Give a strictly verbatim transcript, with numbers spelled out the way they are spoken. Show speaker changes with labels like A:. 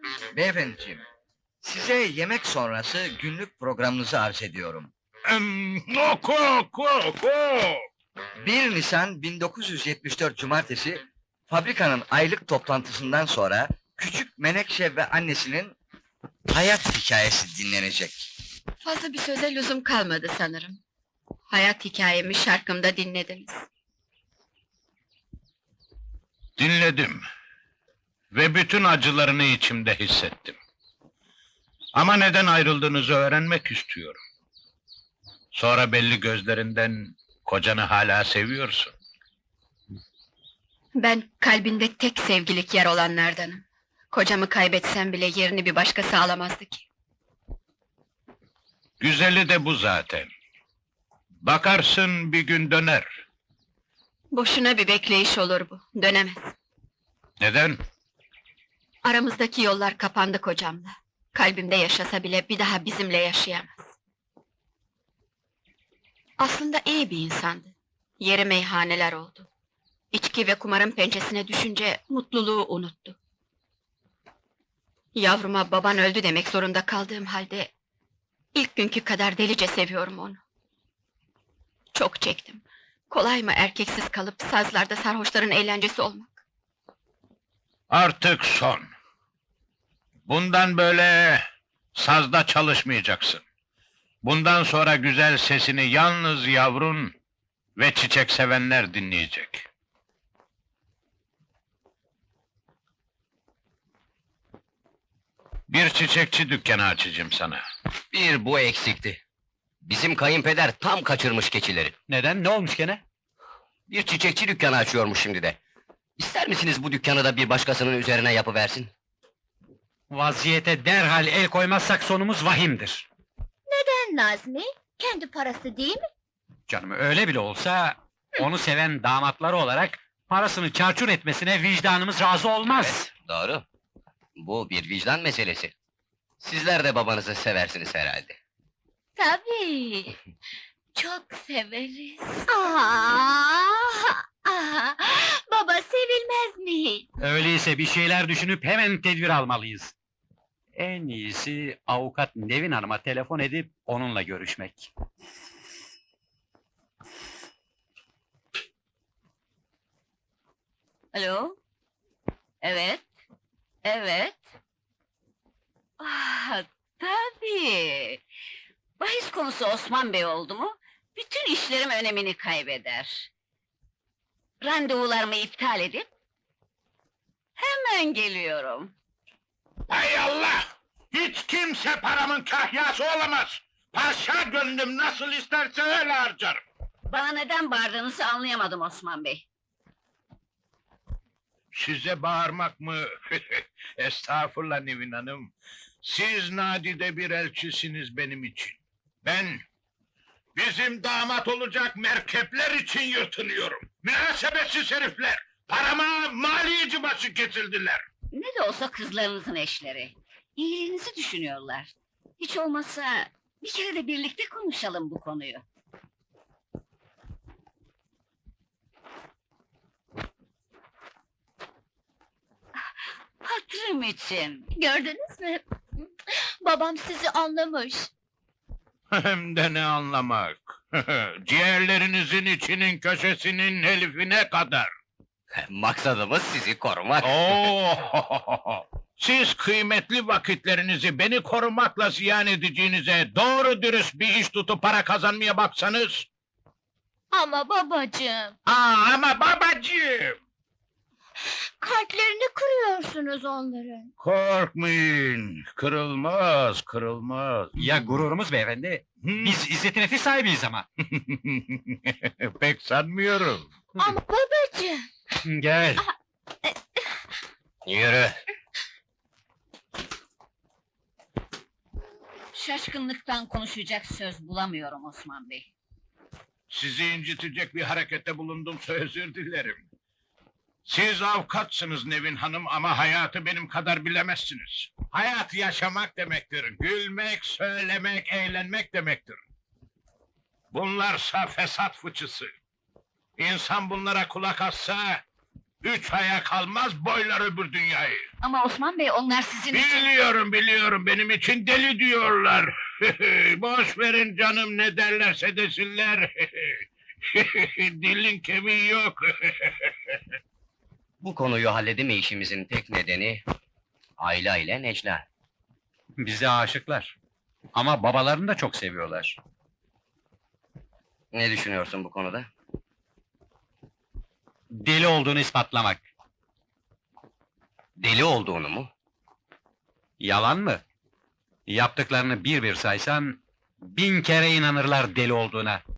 A: Beyefendiciğim, size yemek sonrası günlük programınızı arz ediyorum.
B: Em, oku, oku, oku!
A: bir Nisan bin dokuz yüz yetmiş dört Cumartesi, fabrikanın aylık toplantısından sonra küçük Menekşe ve annesinin hayat hikayesi dinlenecek.
C: Fazla bir söze lüzum kalmadı sanırım. Hayat hikayemi şarkımda dinlediniz.
B: Dinledim. Ve bütün acılarını içimde hissettim. Ama neden ayrıldığınızı öğrenmek istiyorum. Sonra belli gözlerinden kocanı hala seviyorsun.
C: Ben kalbinde tek sevgilik yer olanlardanım. Kocamı kaybetsem bile yerini bir başkası alamazdı ki.
B: Güzeli de bu zaten. Bakarsın bir gün döner.
C: Boşuna bir bekleyiş olur bu, dönemez.
B: Neden?
C: Aramızdaki yollar kapandı kocamla. Kalbimde yaşasa bile bir daha bizimle yaşayamaz. Aslında iyi bir insandı. Yeri meyhaneler oldu. İçki ve kumarın pençesine düşünce mutluluğu unuttu. Yavruma baban öldü demek zorunda kaldığım halde ilk günkü kadar delice seviyorum onu. Çok çektim. Kolay mı erkeksiz kalıp sazlarda sarhoşların eğlencesi olmak?
B: Artık son. Bundan böyle sazda çalışmayacaksın. Bundan sonra güzel sesini yalnız yavrun ve çiçek sevenler dinleyecek. Bir çiçekçi dükkanı açacağım sana.
D: Bir bu eksikti. Bizim kayınpeder tam kaçırmış keçileri.
E: Neden? Ne olmuş gene?
D: Bir çiçekçi dükkanı açıyormuş şimdi de. İster misiniz bu dükkanı da bir başkasının üzerine yapıversin?
E: Vaziyete derhal el koymazsak sonumuz vahimdir.
F: Neden Nazmi? Kendi parası değil mi?
E: Canım öyle bile olsa, onu seven damatları olarak parasını çarçur etmesine vicdanımız razı olmaz.
D: Evet, doğru. Bu bir vicdan meselesi. Sizler de babanızı seversiniz herhalde.
F: Tabii. Çok severiz. Aa, aa, baba sevilmez mi hiç?
E: Öyleyse bir şeyler düşünüp hemen tedbir almalıyız. En iyisi avukat Nevin Hanım'a telefon edip onunla görüşmek.
G: Alo? Evet, evet. Ah, tabii. Bahis konusu Osman Bey oldu mu, bütün işlerim önemini kaybeder. Randevularımı iptal edip, hemen geliyorum.
B: Hay Allah! Hiç kimse paramın kahyası olamaz! Paşa gönlüm nasıl isterse öyle harcarım!
G: Bana neden bağırdığınızı anlayamadım Osman Bey.
B: Size bağırmak mı? Estağfurullah Nevin Hanım. Siz nadide bir elçisiniz benim için. Ben, bizim damat olacak merkepler için yırtınıyorum. Münasebetsiz herifler! Parama maliyeci başı kesildiler!
G: Ne de olsa kızlarınızın eşleri. İyiliğinizi düşünüyorlar. Hiç olmazsa bir kere de birlikte konuşalım bu konuyu. Hatırım için.
F: Gördünüz mü? Babam sizi anlamış.
B: Hem de ne anlamak! Ciğerlerinizin içinin köşesinin elifine kadar!
D: Maksadımız sizi korumak.
B: Oo! Siz kıymetli vakitlerinizi beni korumakla ziyan edeceğinize doğru dürüst bir iş tutup para kazanmaya baksanız.
F: Ama babacığım,
B: Aa, ama babacığım!
F: kalplerini kırıyorsunuz onların.
B: Korkmayın, kırılmaz, kırılmaz.
E: Ya gururumuz beyefendi?
B: Hmm.
E: Biz izzet nefis sahibiyiz ama.
B: Pek sanmıyorum.
F: Ama babacığım,
E: Gel.
D: Yürü.
G: Şaşkınlıktan konuşacak söz bulamıyorum Osman Bey.
B: Sizi incitecek bir harekette bulundumsa özür dilerim. Siz avukatsınız Nevin Hanım ama hayatı benim kadar bilemezsiniz. Hayat yaşamak demektir, gülmek, söylemek, eğlenmek demektir. Bunlarsa fesat fıçısı. İnsan bunlara kulak assa, Üç aya kalmaz boylar öbür dünyayı.
G: Ama Osman Bey onlar sizin için...
B: Biliyorum biliyorum benim için deli diyorlar. Boş verin canım ne derlerse desinler. Dilin kemiği yok.
D: Bu konuyu halledemeyişimizin tek nedeni... Ayla ile Necla.
E: Bize aşıklar. Ama babalarını da çok seviyorlar.
D: Ne düşünüyorsun bu konuda?
E: Deli olduğunu ispatlamak.
D: Deli olduğunu mu?
E: Yalan mı? Yaptıklarını bir bir saysan... bin kere inanırlar deli olduğuna.